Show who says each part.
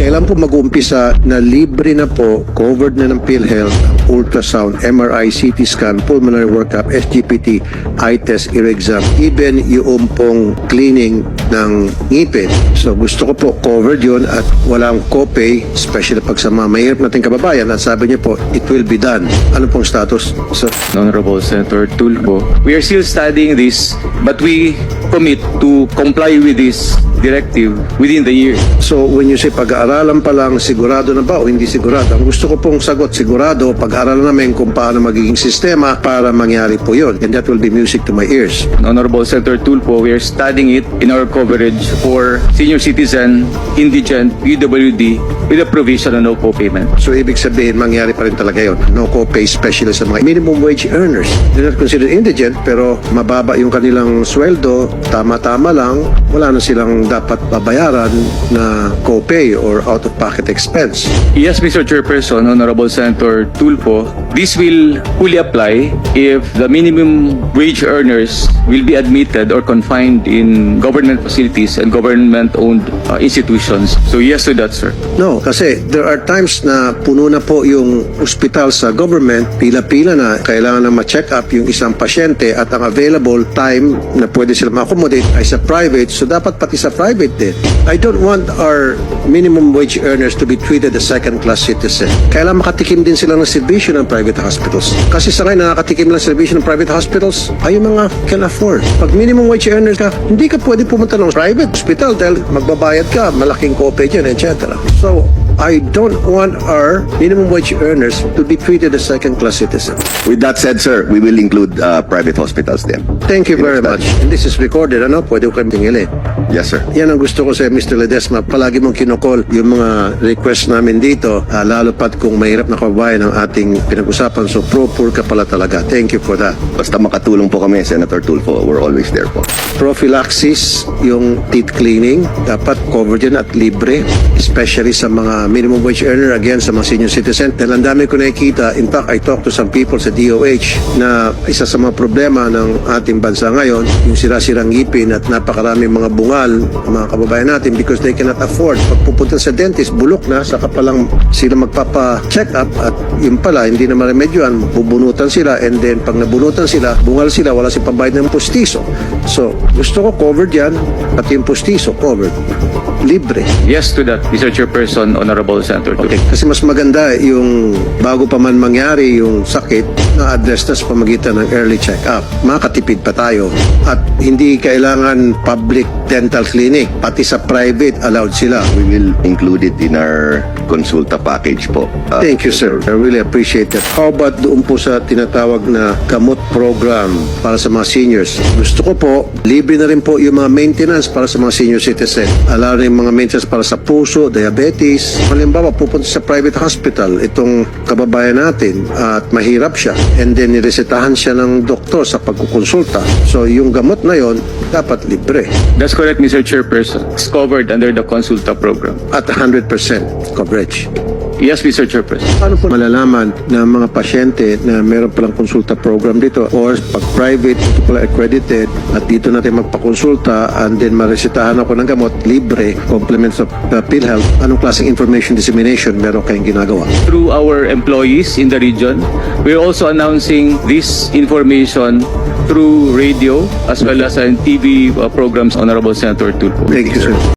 Speaker 1: Kailan po mag-uumpisa na libre na po, covered na ng PhilHealth, ultrasound, MRI, CT scan, pulmonary workup, SGPT, eye test, ear exam, even yung pong cleaning ng ngipin. So gusto ko po covered yun at walang copay, especially pag sa mga mahirap nating kababayan, at sabi niyo po, it will be done. Ano pong status, sir?
Speaker 2: Honorable Senator Tulfo, we are still studying this, but we commit to comply with this directive within the year.
Speaker 1: So when you say pag-aaralan pa lang, sigurado na ba o hindi sigurado? Ang gusto ko pong sagot, sigurado, pag-aaralan namin kung paano magiging sistema para mangyari po yun. And that will be music to my ears.
Speaker 2: Honorable Senator Tulfo, we are studying it in our coverage for senior citizen, indigent, PWD, with a provision on no co-payment.
Speaker 1: So ibig sabihin, mangyari pa rin talaga yun. No co-pay, especially sa mga minimum wage earners. They're not considered indigent, pero mababa yung kanilang sweldo, tama-tama lang, wala na silang dapat babayaran na co-pay or out-of-pocket expense.
Speaker 2: Yes, Mr. Chairperson, Honorable Senator Tulfo, this will fully apply if the minimum wage earners will be admitted or confined in government facilities and government-owned institutions. So yes to that, sir.
Speaker 1: No, kasi there are times na puno na po yung ospital sa government, pila-pila na, kailangan na ma-check up yung isang pasyente at ang available time na pwede sila ma-accommodate ay sa private, so dapat pati sa private din. I don't want our minimum wage earners to be treated as second-class citizen. Kailangan makatikim din sila ng serbisyo ng private hospitals. Kasi sa ngayon, nakakatikim lang serbisyo ng private hospitals ay yung mga can afford. Pag minimum wage earners ka, hindi ka pwede pumunta ng private hospital dahil magbabayad ka, malaking copay dyan, etc. So, I don't want our minimum wage earners to be treated as second-class citizens.
Speaker 3: With that said, sir, we will include private hospitals then.
Speaker 1: Thank you very much. And this is recorded, ano? Pwede ko kayong tingilin.
Speaker 3: Yes, sir.
Speaker 1: Yan ang gusto ko sa Mr. Ledesma. Palagi mong kinokol yung mga request namin dito, lalo pat kung mahirap na kababayan ang ating pinag-usapan. So, pro-poor ka pala talaga. Thank you for that.
Speaker 3: Basta makatulong po kami, Senator Tulfo, we're always there po.
Speaker 1: Prophylaxis, yung teeth cleaning, dapat covered yan at libre, especially sa mga minimum wage earner, again, sa mga senior citizen. Dahil ang dami ko nakikita, in fact, I talked to some people sa DOH na isa sa mga problema ng ating bansa ngayon, yung sira-sirang ngipin at napakaraming mga bungal, mga kababayan natin, because they cannot afford. Pag pupunta sa dentist, bulok na, saka pa lang sila magpapa-check up at yun pala, hindi na maremedyoan, bubunutan sila, and then pag nabunutan sila, bungal sila, wala silang pambayad ng pustiso. So, gusto ko covered yan, pati yung pustiso, covered. Libre.
Speaker 2: Yes to that, Mr. Chairperson, Honorable Senator Tulfo.
Speaker 1: Okay. Kasi mas maganda yung bago pa man mangyari yung sakit na address na sa pamagitan ng early check-up. Makatipid pa tayo. At hindi kailangan public dental clinic. Pati sa private, allowed sila.
Speaker 3: We will include it in our consulta package po.
Speaker 1: Thank you, sir. I really appreciate that. How about doon po sa tinatawag na gamot program para sa mga seniors? Gusto ko po, libre na rin po yung mga maintenance para sa mga senior citizen. Allow rin yung mga maintenance para sa puso, diabetes. Halimbawa, pupunta sa private hospital, itong kababayan natin, at mahirap siya. And then, niresetahan siya ng doktor sa pagkukonsulta. So, yung gamot na yon dapat libre.
Speaker 2: That's correct, Mr. Chairperson. It's covered under the Consulta program.
Speaker 1: At 100% coverage.
Speaker 2: Yes, Mr. Chairperson.
Speaker 1: Paano po malalaman na mga pasyente na meron palang konsulta program dito or pag private, ito pala accredited at dito natin magpakonsulta and then maresetahan ako ng gamot, libre, complements of PhilHealth, anong klaseng information dissemination meron kayong ginagawa?
Speaker 2: Through our employees in the region, we're also announcing this information through radio as well as in TV programs, Honorable Senator Tulfo.
Speaker 1: Thank you, sir.